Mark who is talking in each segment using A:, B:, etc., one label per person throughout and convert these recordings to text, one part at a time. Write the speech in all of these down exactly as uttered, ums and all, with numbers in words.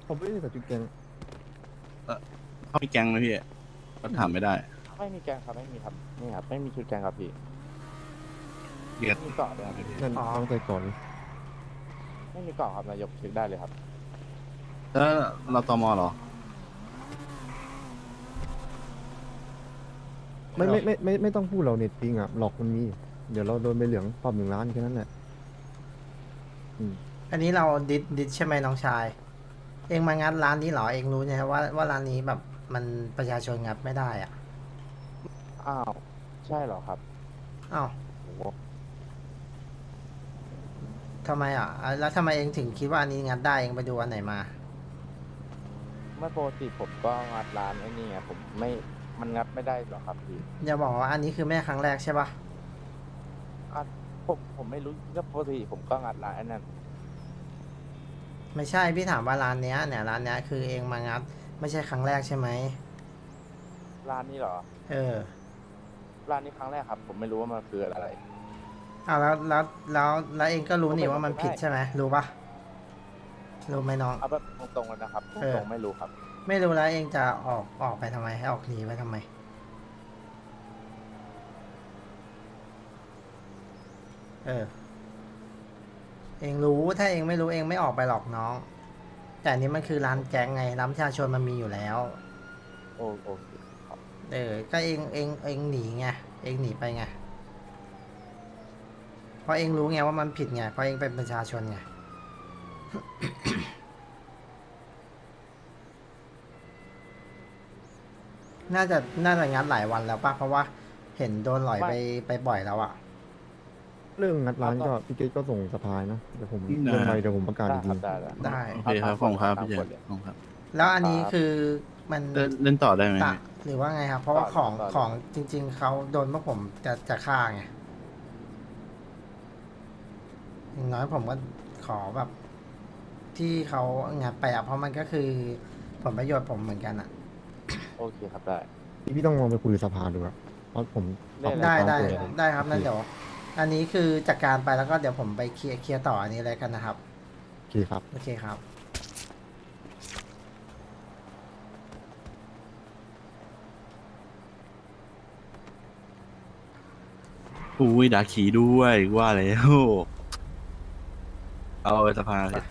A: ผมไม่ได้ใส่ชุดแกง
B: เขามีแก๊งไหมพี่ก็ถามไม่ได้
C: ไม่มีแกงครับไม่มีครับนี่ครับไม่มีชุดแกงครับพี่
B: เรียก
C: มีเกาะด้วยครับ
A: นั่นต้องใส่ก่อน
C: ไม่มีเกาะครับนายกเช็คได้เลยครับ
B: แล้วเราตมเหรอ
A: ไม่ไม่ไม่ไม่ไม่ต้องพูดเราเน็ตจริงอ่ะหลอกมันมี เดี๋ยวเราโดนใบเหลืองปรับหนึ่งล้านแค่นั้นแหละอืม
D: อันนี้เราดิดดิดใช่ไหมน้องชาย เองมางัดร้านนี้เหรอเองรู้ใช่ไหมว่าว่าร้านนี้แบบมันประชาชนงัดไม่ได้อ่ะ
C: อ้าวใช่เหรอครับ
D: อ้าว
C: โอ้โห
D: ทำไมอ่ะอ่ะแล้วทำไมเองถึงคิดว่าอันนี้งัดได้เองไปดูอันไหนมา
C: ไม่ปกติผมก็งัดร้านไอ้นี่ไงผมไม่มันงัดไม่ได้หรอกครับพี่
D: อย่าบอกว่าอันนี้คือแม่ครั้งแรกใช่ปะ
C: อ่ะผมผมไม่รู้ก็ปกติผมก็งัดร้านไอ้นั่น
D: ไม่ใช่พี่ถามว่าร้านเนี้ยเนี่ยร้านเนี้ยคือเองมางัดไม่ใช่ครั้งแรกใช่ไหม
C: ร้านนี้เหรอ
D: เออ
C: ร้านนี้ครั้งแรกครับ ผมไม่รู้ว่ามันคืออะไร
D: อ้าวแล้วแล้วแล้วแล้วเองก็รู้นี่ว่ามันผิดใช่ไหมรู้ปะรู้ไหมน้อง
C: เอาแบบตรงๆกันนะครับ
D: เออ
C: ตรงๆไม่รู้ครับ
D: ไม่รู้แล้วเองจะออกออกไปทำไมให้ออกหนีไปทำไม เออ เองรู้ถ้าเองไม่รู้เองไม่ออกไปหรอกน้อง แต่อันนี้มันคือร้านแก๊งไงร้านประชาชนมันมีอยู่แล้ว
C: โอโอเคครับ
D: เออ ก็เองเองเองหนีไงเองหนีไปไงเพราะเองรู้ไงว่ามันผิดไงเพราะเองเป็นประชาชนไง น่าจะน่าจะงัดหลายวันแล้วป่ะเพราะว่าเห็นโดนหลอยไปไปบ่อยแล้วอ่ะ
A: เรื่องงัดร้านก็พี่เกตก็ส่งสภายนะเดี๋ยวผม
B: ได้
A: เรื่องอะไรเดี๋ยวผมประกาศ
C: ได้
A: อีก
C: ค
A: ที
C: รับได้ได้
D: ได้
B: โอเคครับขอบคุณครับพี่เจ
C: ตามกฎเลย
B: ขอบคุณครับ
D: แล้วอันนี้
C: ครับ
D: คือมัน
B: เล่นเล่นต่อได้ไหม
D: ตะหรือว่าไงครับ เพราะว่า
C: ต่อ
D: ของ
C: ต่อ
D: ของจริง ๆเขาโดนพวกผมจะจะฆ่าไงอย่างน้อยผมก็ขอแบบ ที่เขางัดไปอ่ะเพราะมันก็คือผลประโยชน์ผมเหมือนกันอ่ะ
C: โอเคครับได้
A: พี่ต้องลองไปคุยกับสภาดูครับเพราะผมปรับ
C: ได้
D: ได้
A: ตาม
D: ได้
A: กฎ
D: ได้ครับนั่นเดี๋ยว อันนี้คือจัดการไปแล้วก็เดี๋ยวผมไปเคลียร์เคลียร์ต่ออันนี้เลยกันนะครับ
A: โอเคครับ
D: โอเคครับ
B: อุ้ยดาขีด้วยว่าแล้วเอาไปสภาเลย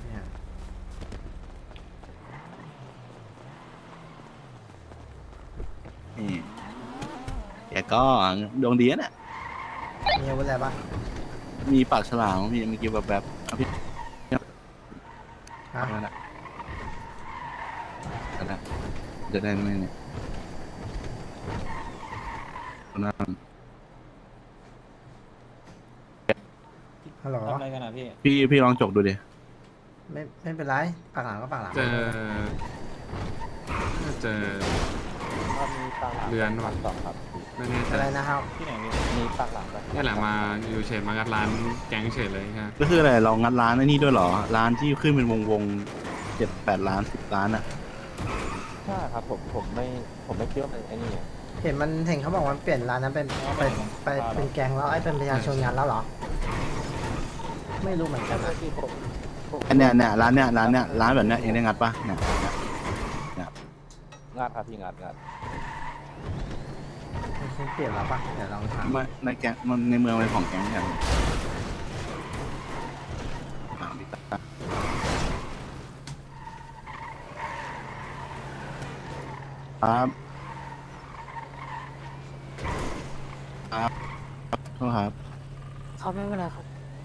B: นี่แกก็ดวงดีนะเนี่ย
D: มีอาวุธอะไรบ้าง
B: มีปากฉลามพี่เมื่อกี้แบบแบบๆเอาพี่
D: ฮะ
B: นั่นแหละนั่นแหละจะได้ไหมเนี่ยนั่น
D: ฮัลโหล
E: ทำอะไรกันอ่ะพี่
B: พี่พี่ลองจกดูดิ
D: ไม่ไม่เป็นไรปากหลังก็ปากหลัง
F: เจอเจอ
C: ถ้ามีปากหลัง
F: เรือนว่ะ
C: สองครับ
F: ไม่แน่ใจ
D: อะไรนะครับ
E: ที่ไหนพี่
C: มีปากหลังแบบ
F: นี่แหละมาอยู่เฉยมางัดร้านแก๊งเฉยเลยฮะ
B: ก็คืออะไรเรางัดร้านไอ้นี่ด้วยเหรอ ร้านที่ขึ้นเป็นวงวงเจ็ดแปดล้านสิบล้านอะ
C: ใช่ครับผมผมไม่ผมไม่คิดว่าเป็นไอ้นี่ไง
D: เห็นมันเห็นเขาบอกว่าเปลี่ยนร้านนั้นเป็นไปไปเป็นแกงแล้วไอ้เป็นประชาชนงานแล้วเหรอ ไม่รู้เหมือนกัน
C: ก็
D: นะ
C: คือผมผม
B: อันเนี้ยเนี่ยร้านเนี้ยร้านเนี้ยร้านแบบเนี้ยเองได้งัดปะเนี่ยเนี่ย
C: งานครับพี่งานงาน
D: มันเปลี่ยนแล้วปะเดี๋ยวลองถาม
B: ไม่ในแก๊งมันในเมืองเป็นของแก๊งอย่างถามพี่ตาครับครับโทษครับ
G: เขาไม่เป็นไรครับ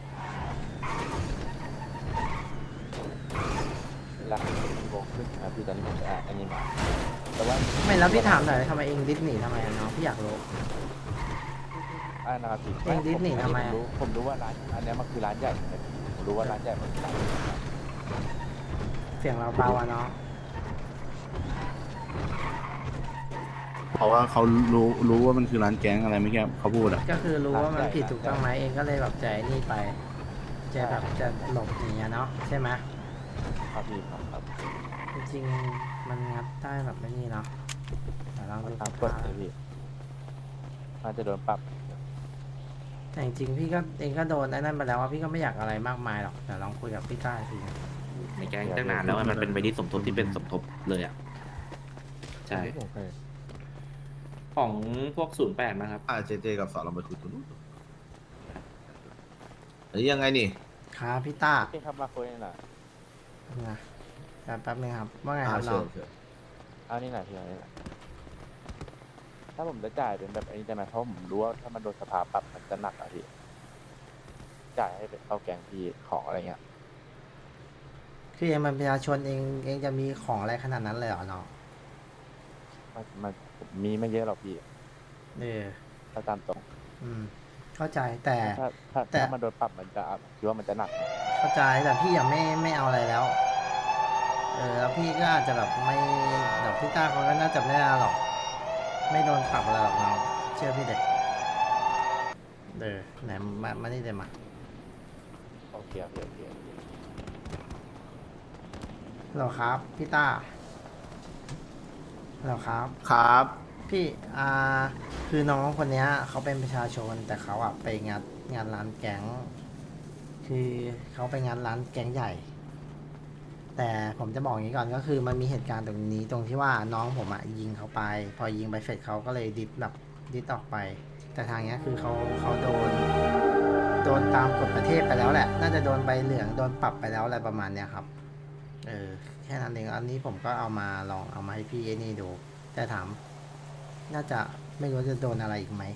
C: เวลาโมงครึ่งครับพี่ตอนนี้ผมจะอ่านอันนี้มาแต่ว่า
D: ไม่แล้วพี่ถามหน่อยทำไมเองดิสหนีทำไมอะน้องพี่อยากรู้
C: อ่านนะครับพี่
D: เองดิสนีย์ทำไม
C: ผม
D: อะ
C: รู้ผมรู้ว่าร้านอันเนี้ยมันคือร้านใหญ่ครับผมรู้ว่าร้านใหญ่มันคือร้านใหญ่ครับ
D: เสียงเราเบาอะเนาะ
B: เพราะว่าเขารู้รู้ว่ามันคือร้านแก๊งอะไรไม่แค่เขาพูดอะ
D: ก็คือรู้ว่ามันผิดถูกต้องไหมเองก็เลยแบบใจนี่ไปจะแบบจะหลบหนีอะเนาะใช่ไหม
C: ครับพี่ครับครับ
D: จริงๆมันงัดได้แบบไม่นี่เนาะแต่ลอง
C: มัน
D: ดู
C: ตามกฎเลยพี่น่าจะโดนปรับ
D: แต่จริงๆพี่ก็เองก็โดนไอ้นั่นไปแล้วว่าพี่ก็ไม่อยากอะไรมากมายหรอกแต่ลองคุยกับพี่ต้าสิ
E: ในแก๊งตั้งนานแล้วอะมันเป็นใบที่สมทบที่เป็นสมทบเลยอ่ะใช่
A: โอเค
E: ของพวกศูนย์แปดนะครับ
B: อ่าเจเจกับสอนเราไปคุยตัวนู้นอันนี้ยังไงนี่
D: ครับพี่ต้า
C: พี่ครับมาคุยหน่อย
D: นะแป๊บนึงครับว่าไงค
B: อ่า
D: รับน้
B: เชิ
D: อง
B: ญเชิญ
C: เอานี่หน่อยพี่เอานี่หน่อยถ้าผมจะจ่ายเป็นแบบอันนี้ได้ไหมเพราะผมรู้ว่าถ้ามันโดนสภาปรับมันจะหนักอะพี่จ่ายให้เป็นเข้าแกงพี่ของอะไรเงี้ย
D: คือเองมันประชาชนเองเองจะมีของอะไรขนาดนั้นเลยเหรอน้อง
C: มันมันผมมีไม่เยอะหรอกพี่
D: เออ
C: ถ้าตามตรง
D: อืม เข้าใจแต่
C: ถ้าถ้า
D: แต่
C: ถ้ามันโดนปรับมันจะคิดว่ามันจะหนัก
D: เข้าใจแต่พี่ยังไม่ไม่เอาอะไรแล้ว เออแล้วพี่ก็อาจจะแบบไม่แบบพี่ต้าเขาก็น่าจะไม่ได้หรอก ไม่โดนปรับอะไรหรอกน้องเชื่อพี่เด็กเออไหนมามานี่เดี๋ยวมา
C: โอเคโอเคโอเค
D: เหรอครับพี่ต้าเหรอครับ
B: ครับ
D: พี่อ่าคือน้องคนเนี้ยเขาเป็นประชาชนแต่เขาอะไปงานงานร้านแก๊ง คือเขาไปงานร้านแก๊งใหญ่ แต่ผมจะบอกอย่างนี้ก่อนก็คือมันมีเหตุการณ์ตรงนี้ตรงที่ว่าน้องผมอะยิงเขาไป พอยิงไปเสร็จเขาก็เลยดิสแบบดิสออกไป แต่ทางเนี้ยคือเขาเขาโดนโดนตามกฎประเทศไปแล้วแหละ น่าจะโดนใบเหลืองโดนปรับไปแล้วอะไรประมาณเนี้ยครับ เออแค่นั้นเองอันนี้ผมก็เอามาลองเอามาให้พี่ไอ้นี่ดู แต่ถาม น่าจะไม่รู้จะโดนอะไรอีกไหม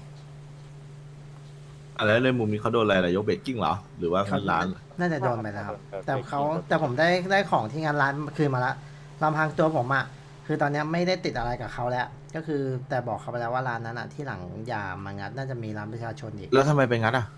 B: อ่ะแล้วในมุมนี้เขาโดนอะไรล่ะยกเบรกกิ้งเหรอ หรือว่าเงินล้านเหรอ
D: น่าจะโดนไปแล้วครับ แต่เขาแต่ผมได้ได้ของที่งานร้านคืนมาละลำพังตัวผมอะคือตอนเนี้ยไม่ได้ติดอะไรกับเขาแล้ว ก็คือแต่บอกเขาไปแล้วว่าร้านนั้นอะที่หลังอย่ามางัดน่าจะมีร้านประชาชนอีก
B: แล้วทำไมไปงัดอ่ะ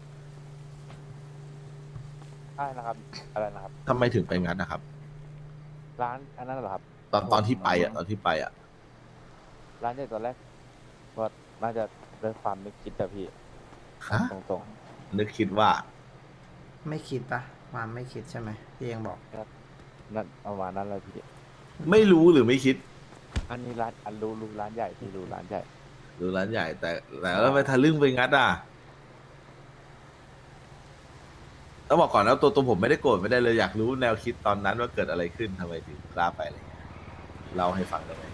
C: อะไรนะครับอะไรนะครับ
B: ทำไมถึงไปงัดนะครับ
C: ร้านอันนั้นเหรอครับ
B: ตอนตอนที่ไปอ่ะตอนที่ไปอ่ะ
C: ร้านใหญ่ตอนแรกก็น่าจะด้วยความไม่คิดแต่พี่
B: ฮะ
C: ตรง
B: นึกคิดว่า
D: ไม่คิดปะความไม่คิดใช่ไหมที่เองบอก
C: ๆนั่นประมาณนั้นเลยพี่
B: ไม่รู้หรือไม่คิด
C: อันนี้ร้านอันรู้รู้ร้านใหญ่พี่รู้ร้านใหญ่
B: หรือร้านใหญ่แต่แต่แล้วทำไมทะลึ่งไปงัดอ่ะต้องบอกก่อนนะตัวตัวผมไม่ได้โกรธไม่ได้เลยอยากรู้แนวคิดตอนนั้นว่าเกิดอะไรขึ้นทำไมถึงกล้าไปอะไรเงี้ยเล่าให้ฟังได้ไหม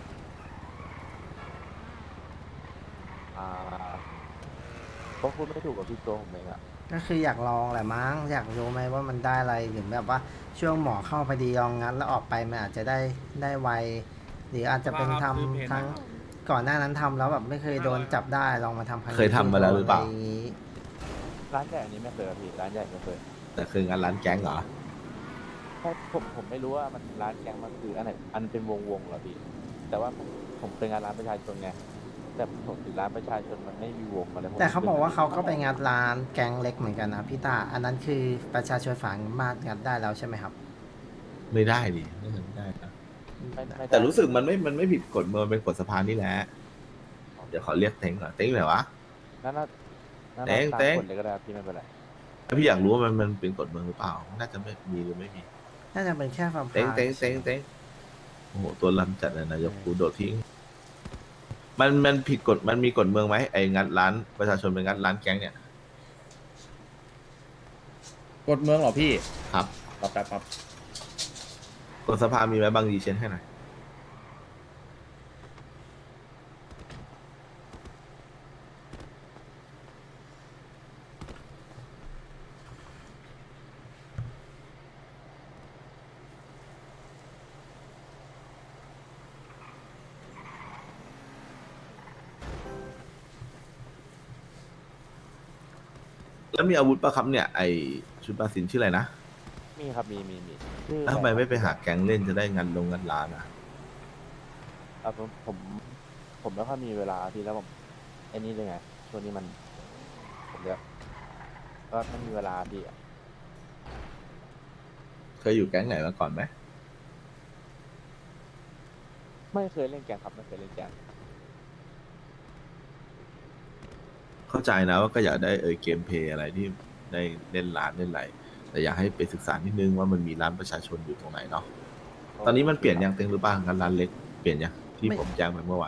C: อ่าก็พูดไม่ถูกกับพี่ตัวผมเองอะ
D: ก็คืออยากลองแหละมั้งอยากรู้ไหมว่ามันได้อะไรหรือแบบว่าช่วงหมอเข้าพอดีลองงัดแล้วออกไปมันอาจจะได้ได้ไวหรืออาจจะเป็นทำทั้งก่อนหน้านั้นทำแล้วแบบไม่เคยโดนจับได้ลองมาทำครั้งนี้
B: เคยทำมาแล้วหรือเปล่า
D: ะไย่งงี้
C: ร้านใหญ่อันนี้ไม่เคยครับพี่ร้านใหญ่ไม่เคย
B: แต่คืองานร้านแก๊งเหรอ
C: เพราะผมผมไม่รู้ว่ามันร้านแกงมันคืออันไหนอันเป็นวงวงๆเหรอพี่แต่ว่าผมผมเคยงานร้านประชาชนไงแต่ผมถึงร้านประชาชนมันไม่มีวงอะไรผม
D: แต่เขาบอกว่าเขาก็ไปงัดร้านแก๊งเล็กเหมือนกันนะพี่ตาอันนั้นคือประชาชนฝากมารถงัดได้แล้วใช่ไหมครับ
B: ไม่ได้ดิไม่ได้นะ
C: ไม่ไม่ได้
B: แต่รู้สึกมันไม่มันไม่ผิดกฎมันเป็นกฎสภานี่แหละเดี๋ยวขอเรียกเต็งก่อนเต็งไหนวะ
C: นั่นน่ะนั่น
B: เต้
C: น่ะ
B: ง
C: ตาม
B: เต้ง
C: กฎเลยก็ได้ครับพี่ไม่เป็นไร
B: ถ้าพี่อยากรู้ว่ามันมันเป็นกฎเมืองหรือเปล่า น่าจะไม่มีหรือไม่มี
D: น่าจะเป็นแค่ความ
B: เต็งเต็งเต็งเต็งโอ้โหตัวลำจัดเลยนายกกูโดดทิ้ง มันมันผิดกฎมันมีกฎเมืองไหมไอ้งัดร้านประชาชนเป็นงัดร้านแก๊งเนี่ย
H: กดเมืองเหรอพี่
B: ครับ
H: รอแป๊บครับ
B: กฎสภามีไหมบางดีเชนให้หน่อย แล้วมีอาวุธปะครับเนี่ยไอชุดปาสินชื่ออะไรนะ
C: มีครับมีมีมีชื่อ
B: แล้วทำไมไม่ไปหาแก๊งเล่นจะได้งันลงงันร้านอ่ะ
C: อ่ะผมผมผมไม่ค่อยมีเวลาพี่แล้วผมไอ้นี่เลยไงช่วงนี้มันผมเรียกก็ไม่มีเวลาพี่อะ
B: เคยอยู่แก๊งไหนมาก่อนไหม
C: ไม่เคยเล่นแกงครับไม่เคยเล่นแกง
B: เข้าใจนะว่าก็อยากได้เออเกมเพลย์อะไรที่ได้เล่นร้านเล่นอะไรแต่อยากให้ไปศึกษานิดนึงว่ามันมีร้านประชาชนอยู่ตรงไหนเนาะตอนนี้มันเปลี่ยนยังเต็งหรือเปล่างันร้านเล็กเปลี่ยนยังที่ผมแจ้งไปเมื่อวาน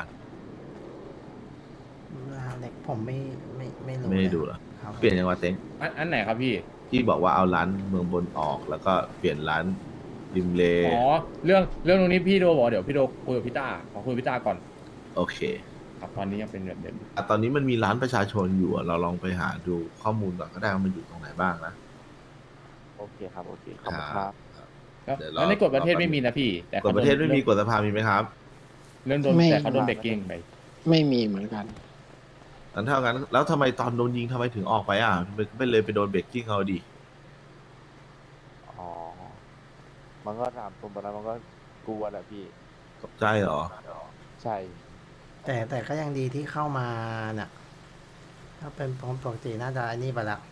D: ร้านเล็กผมไม่ไม่ไม่รู้
B: ไม่ได้
D: เลย
B: ดูเหรอ
D: ครับ
B: เปลี่ยนยังวะเต็ง
H: อันอันไหนครับพี่
B: ที่บอกว่าเอาร้านเมืองบนออก แล้วก็เปลี่ยนร้านริมเล
H: อ๋อเรื่องเรื่องตรงนี้พี่โดบอกเดี๋ยวพี่โดคุยกับพี่ต้าขอคุยกับพี่ต้าก่อน
B: โอเค
H: ครับตอนนี้ยังเป็นแบบเดิม
B: อ่ะตอนนี้มันมีร้านประชาชนอยู่อ่ะเราลองไปหาดูข้อมูลก่อนก็ได้ว่ามันอยู่ตรงไหนบ้างนะ
C: โอเคครับโอเคขอบคุณครับ
H: แล้ว
B: เดี๋ยวรอ
H: แล้วในกฎประเทศ
B: รอแป๊บ
H: ไม่มีนะพี่ แต่
B: ก
H: เขา
B: ฎประเทศไม่มีกฎสภามีไหมครับ
H: เรื่องโดน
G: ไม่
H: แต่เขาโดนเบรกกิ้งไป
G: ไม่มีเหมือนกัน
B: งั้นเท่างั้นแล้วทำไมตอนโดนยิงทำไมถึงออกไปอ่ะไม่ไม่เลยไปโดนเบรกกิ้งเขาดิ
C: อ๋อ มันก็ถามตรงตอนนั้นมันก็กลัวแหละพี่
B: ตกใจเหรอ
C: ใช่
D: แต่แต่ก็ยังดีที่เข้ามาเนี่ยถ้าเป็นปกติน่าจะอันนี้ไปละ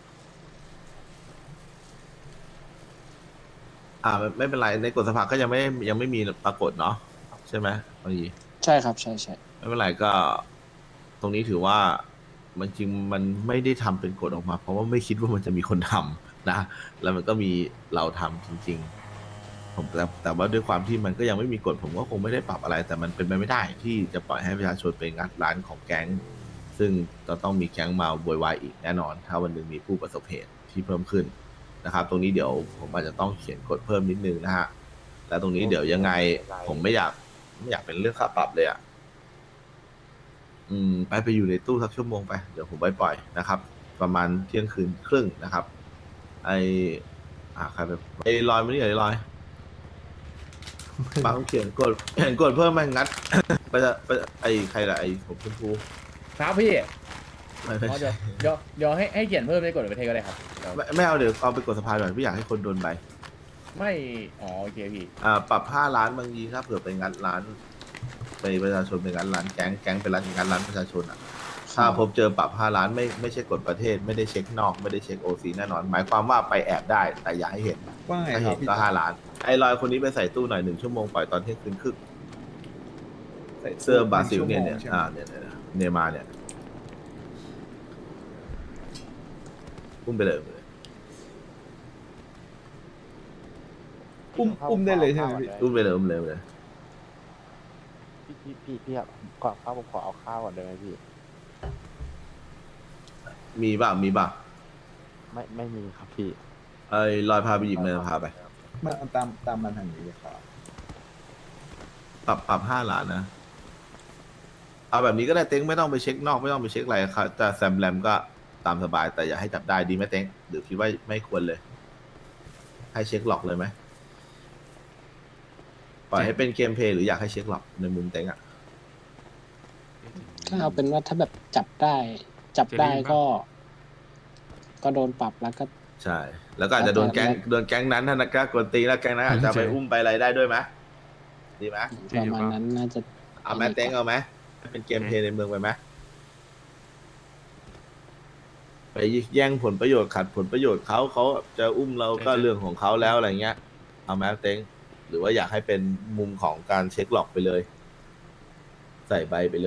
B: อ่าไม่ไม่เป็นไรในกฎสภาก็ยังไม่ยังไม่มีปรากฏเนาะใช่ไหมบางที
G: ใช่ครับ ใช่ใช่
B: ไม่เป็นไรก็ ตรงนี้ถือว่ามันจริงมันไม่ได้ทำเป็นกฎออกมา เพราะว่าไม่คิดว่ามันจะมีคนทำนะ แล้วมันก็มีเราทำจริง ๆ ผมแต่แต่ว่าด้วยความที่มันก็ยังไม่มีกฎผมก็คงไม่ได้ปรับอะไร แต่มันเป็นไปไม่ได้ที่จะปล่อยให้ประชาชนไปงัดร้านของแก๊ง ซึ่งจะต้องมีแก๊งมาโวยวายอีกแน่นอน ถ้าวันหนึ่งมีผู้ประสบเหตุที่เพิ่มขึ้นนะครับ ตรงนี้เดี๋ยวผมอาจจะต้องเขียนกฎเพิ่มนิดนึงนะฮะและตรงนี้เดี๋ยวยังไง ผมไม่อยากไม่อยากเป็นเรื่องค่าปรับเลยอ่ะ อืมไปไปอยู่ในตู้สักชั่วโมงไปเดี๋ยวผมไปปล่อยนะครับ ประมาณเที่ยงคืนครึ่งนะครับ ไออ่าใครไปไอลอยมานี่เหรอไอลอยบางเขียนกดเขียนกดเพิ่มมางัด ไปจะไปไอใครล่ะไอผมชมพู
H: ครับพี่
B: ไม่ไม่
H: อ๋อเดี๋ยวเดี๋ยวเดี๋ยวให้ให้เขียนเพิ่มในกฎประเทศก็ได้ครับเดี๋ยว
B: ไม่ไม่เอาเดี๋ยวเอาไปกดสะพานหน่อยไม่อยากให้คนโดนใบ
H: ไม่อ๋อโอเคพี่
B: อ่าปรับห้าล้านบางทีถ้าเผื่อไปงัดร้านไปประชาชนไปงัดร้านแก๊งแก๊งไปร้านงัดร้านประชาชนอ่ะ ถ้าพบเจอปรับห้าล้านไม่ไม่ใช่กฎประเทศไม่ได้เช็คนอกไม่ได้เช็คโอซีแน่นอน หมายความว่าไปแอบได้แต่อย่าให้เห็น
I: ว่าไง
B: ถ้า
I: ครั
B: เห็
I: บ
B: น
I: พี่
B: ก็ห้าล้าน ไอ้ลอยคนนี้ไปใส่ตู้หน่อยหนึ่งชั่วโมงปล่อยตอนเที่ยงคืนครึ่งเสื้อบราซิลเนี่ยเนี่ยอ่าเนี่ยเนี่ยเนย์มาร์เนี่ยอุ้มไปเลยอุ้มไปเลย
I: อุ้มอุ้มได้เลยใช่ไหมพี่
B: อุ้มไปเลยอุ้มเลยอุ้มเลย
C: พี่พี่พี่พี่ครับก่อนเข้าผมขอเอาข้าวก่อนได้ไหมพี่
B: มีบ้างมีบ้าง
C: ไม่ไม่มีครับพี่
B: ไอ้ลอยพาไปหยิบเงินพาไป
I: มาตามตามมันทางนี้เลยครับ
B: ปรับปรับห้าล้านนะ เอาแบบนี้ก็ได้เต็งไม่ต้องไปเช็คนอกไม่ต้องไปเช็คอะไรครับแต่แซมแรมก็ตามสบายแต่อย่าให้จับได้ดีไหมเต็งหรือคิดว่าไม่ควรเลย ให้เช็คหลอกเลยไหมปล่อยให้เป็นเกมเพลย์หรืออยากให้เช็คหลอกในมุมเต็งอ่ะ
G: ถ้าเอาเป็นว่าถ้าแบบจับได้ จับได้ก็ ก็โดนปรับแล้วก็
B: ใช่ แล้วก็อาจจะโดนแก๊งโดนแก๊งนั้นถ้านักกล้ากวนตีนแล้วแก๊งนั้นอาจจะไปอุ้มไปอะไรได้ด้วยไหมดีไหม
G: ประมาณนั้นน่าจะ
B: เอาแมเต็งเอาไหมเป็นเกมเพลย์ในเมืองไปไหมไปแย่งผลประโยชน์ขัดผลประโยชน์เขาเขาจะอุ้มเราก็เรื่องของเขาแล้วอะไรเงี้ย เอาแมเต็งหรือว่าอยากให้เป็นมุมของการเช็คหลอกไปเลย ใส่ใบไปเลย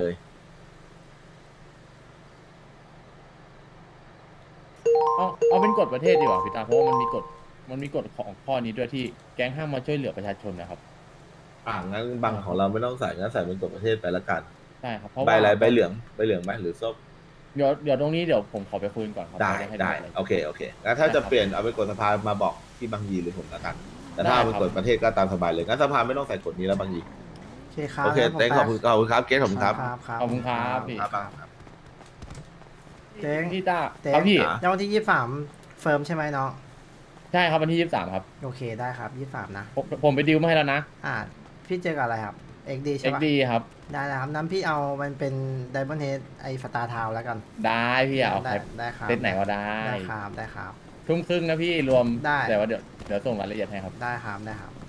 H: เอาเอาเป็นกฎประเทศดีกว่าพี่ตาเพราะว่ามันมีกฎมันมีกฎของข้อนี้ด้วยที่แก๊งห้ามมาช่วยเหลือประชาชนนะครับ
B: อ่างั้นบางของเราไม่ต้องใส่งั้นใส่เป็นกฎประเทศไปละกัน
H: ใช่ครับเพราะ
B: ใบ
H: ว่า
B: อะไรใบเหลืองใบเหลืองไหมหรือส้ม
H: เดี๋ยวเดี๋ยวตรงนี้เดี๋ยวผมขอไปคุยกันก่อนครับ
B: ได้
H: ม่ให้
B: ได้
H: เป็นอะไร
B: โอเคโอเคงั้นถ้า
H: ได้
B: จะ
H: ครับ
B: เปลี่ยนเอาไปกฎสภามาบอกที่บางยีหรือผมละกัน แต่ถ้า
H: ได้
B: เอาไป
H: ครับ
B: กฎประเทศก็ตามสบายเลยงั้นสภาไม่ต้องใส่กฎนี้แล้วบางยี
D: โอเคครับ
B: โอเค
D: งั้นผม
B: เต้งขอบคุณขอบคุณครับเกสขอบคุณครับ
D: ครับครับ
H: ขอบคุณครับพี่
B: ครับครับ
D: เจ๊ง
H: พี่ต้า
D: เจ๊ง
H: ครับพี่
B: อ่ะ
D: แล้ววันที่ยี่สิบสามเฟิร์มใช่ไหมน้อง
H: ใช่ครับวันที่ยี่สิบสามครับ
D: โอเคได้ครับยี่สิบสามนะ
H: ผมผมไปดิวมาให้แล้วนะ
D: อ่า พี่เจอกับอะไรครับ เอ็กดีใช่
H: เอ็ก
D: ปะ
H: ดีครับ
D: ได้นะครับน้ำพี่เอามันเป็นไดมอนด์เฮดไอฟตาทาวแล้วกัน
H: ได้พี่เอา
D: ได้
H: ครับ
D: ได้ครับ
H: เซตไหนก็ได้
D: ได้ครับได้ครับ
H: ทุ่มครึ่งนะพี่รวม
D: ได้
H: แต่ว่าเดี๋ยวเดี๋ยวส่งรายละเอียดให้ครับ
D: ได้ครับได้ครับ